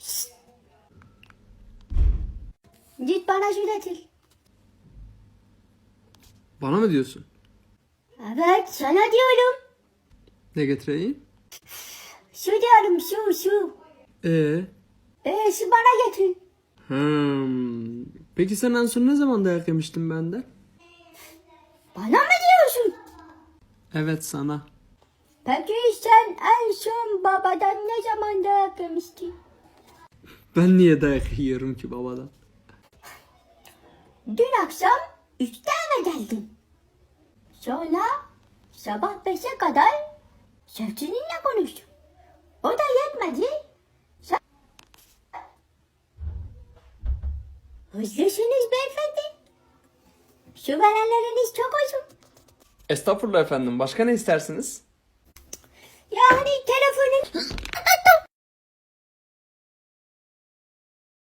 Git bana su getir. Bana mı diyorsun? Evet sana diyorum. Ne getireyim? Su diyorum su. Ee? Su bana getir. Peki sen en son ne zaman dayak yemiştin benden? Bana mı diyorsun? Evet, sana. Peki sen en son babadan ne zaman dayak yemiştin? Ben niye dayak yiyorum ki babadan? Dün akşam 3'te eve geldin. Sonra sabah 5'e kadar sevgilinle konuştun. O da yetmedi. Sen... Hızlısınız beyefendi. Şu verenleriniz çok uzun. Estağfurullah efendim. Başka ne istersiniz? Yani